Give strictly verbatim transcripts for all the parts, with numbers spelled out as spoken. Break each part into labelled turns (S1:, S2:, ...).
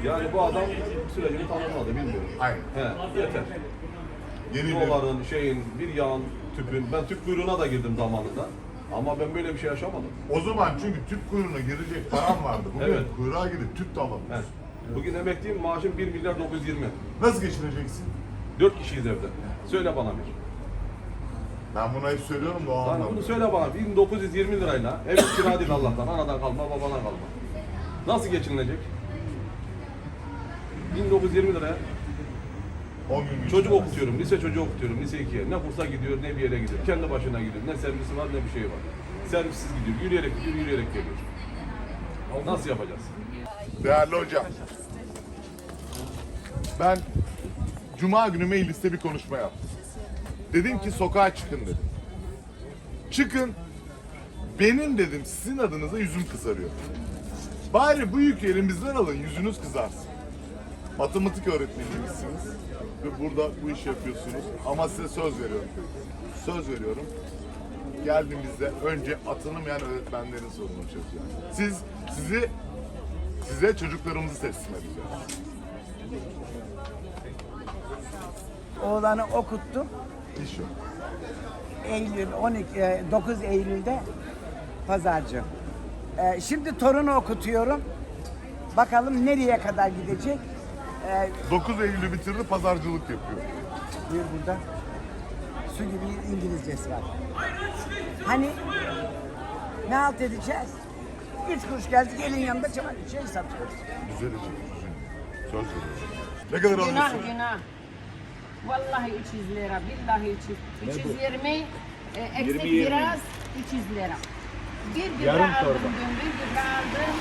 S1: Yani bu adam sürecini tamamladı, bilmiyorum.
S2: Aynen.
S1: He, yeter.
S2: Yeni bir...
S1: Doların, şeyin, bir yağın, tüpün. Ben tüp kuyruğuna da girdim zamanında. Ama ben böyle bir şey yaşamadım.
S2: O zaman çünkü tüp kuyruğuna girecek param vardı. Bugün
S1: Evet.
S2: kuyruğa gidip tüp de alamıyorsun.
S1: He. Bugün emekliyim, maaşım bir milyar dokuz yüz yirmi.
S2: Nasıl geçineceksin?
S1: Dört kişiyiz evde. Söyle bana bir.
S2: Ben bunu hep söylüyorum da o
S1: Yani
S2: anlamda.
S1: bunu söyle bana. bin dokuz yüz yirmi lirayla ev kira değil Allah'tan. Anadan kalma, babadan kalma. Nasıl geçinilecek? bin dokuz yüz yirmi liraya
S2: on gün
S1: çocuk okutuyorum, lise çocuğu okutuyorum, lise ikiye. Ne kursa gidiyor, ne bir yere gidiyor. Kendi başına gidiyor. Ne servisi var, ne bir şey var. Servissiz gidiyor, yürüyerek gidiyor, yürüyerek geliyor. Nasıl yapacağız?
S2: Değerli hocam. Ben Cuma günü mecliste bir konuşma yaptım. Dedim ki sokağa çıkın dedim. Çıkın. Benim dedim sizin adınıza yüzüm kızarıyor. Bari bu yükü elimizden alın, yüzünüz kızarsın. Matematik öğretmeniymişsiniz ve burada bu işi yapıyorsunuz. Ama size söz veriyorum. Söz veriyorum. Geldiğimizde önce atanamayan öğretmenlerin sorununu çözeceğiz. Siz, sizi, size çocuklarımızı teslim edeceğiz.
S3: Oğlanı okuttum.
S2: İş yok.
S3: Eylül on iki, e, dokuz Eylül'de pazarcı. E, Şimdi torunu okutuyorum. Bakalım nereye kadar gidecek. E,
S2: dokuz Eylül'ü bitirdi, pazarcılık yapıyor.
S3: Buyur burada. Su gibi İngilizcesi var. Hani ne halt edeceğiz? Üç kuruş geldik elin yanında çabuk şey satıyoruz.
S2: Düzelecek, düzelecek. Söz veriyorum. Ne kadar
S4: Günah
S2: alıyorsun?
S4: günah. Vallahi üç yüz lira, billahi üç yüz. üç yüz yirmi, e, eksik biraz üç yüz lira. Bir gübre aldım dün, bir gübre aldım.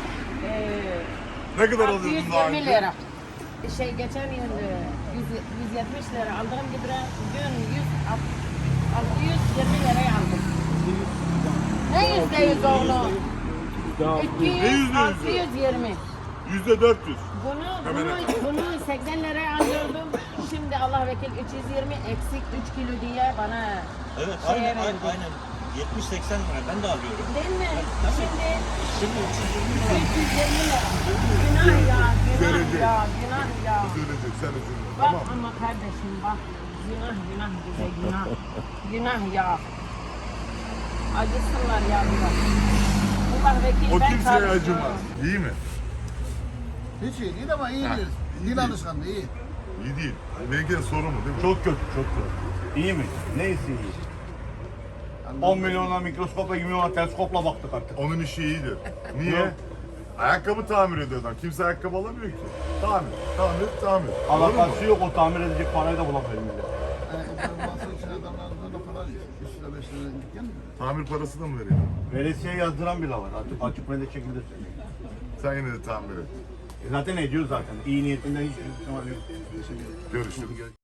S4: E,
S2: Ne kadar alıyordun daha
S4: altı yüz yirmi
S2: önce?
S4: lira. Şey geçen yıl e, yüz, yüz yetmiş lira aldığım gübre dün yüz, altı yüz yirmi liraya aldım. Ne yüzde yüz oğlum? iki
S2: Ne yüzde
S4: yüz,
S2: yüzü?
S4: altı yüz yirmi.
S2: Yüzde dört yüz.
S4: Bunu,
S2: Hemen
S4: bunu, bunu seksen liraya alıyordum. Şimdi Allah vekil üç yüz yirmi eksik üç kilo diye bana
S5: Evet,
S4: şeye
S5: aynen,
S4: verdi.
S5: aynen, aynen. yetmiş seksen lira ben de alıyorum.
S4: Değil mi? Şimdi
S5: Şimdi üç yüz yirmi lira.
S4: üç yüz yirmi lira. Günah ya, günah
S2: Düzelecek.
S4: ya, günah ya.
S2: Düzelecek, sen üzülme.
S4: Bak
S2: Tamam.
S4: ama kardeşim bak. Günah, günah bize günah. Günah ya. Acısınlar ya biraz. Allah vekil
S2: O
S4: ben
S2: kimseye
S4: çalışıyorum.
S2: acımaz. İyi mi?
S6: Hiç iyi değil ama iyi değil. Dil alışkanlığı iyi.
S2: İyi değil. Belki de sorun mu değil mi?
S7: Çok kötü, çok kötü. İyi mi? Neyse iyi. on milyona mikroskopla, yirmi milyona teleskopla baktık artık.
S2: Onun işi iyidir. Niye? Ayakkabı tamir ediyor adam. Kimse ayakkabı alamıyor ki. Tamir, tamir, tamir. Doğru mu?
S7: Alakası yok, o tamir edecek parayı da bulamıyor millet.
S6: Ayakkabıların bazı için adamlardan o kadar üç lira beş lira dükkan mı?
S2: Tamir parası da mı veriyor?
S7: Veresiye yazdıran bile var. Artık açık ve net şekilde söylüyor.
S2: Sen yine de tamir et.
S7: E zaten ediyor zaten. İyi niyetinden hiç ihtimal yok.
S2: Görüşürüz.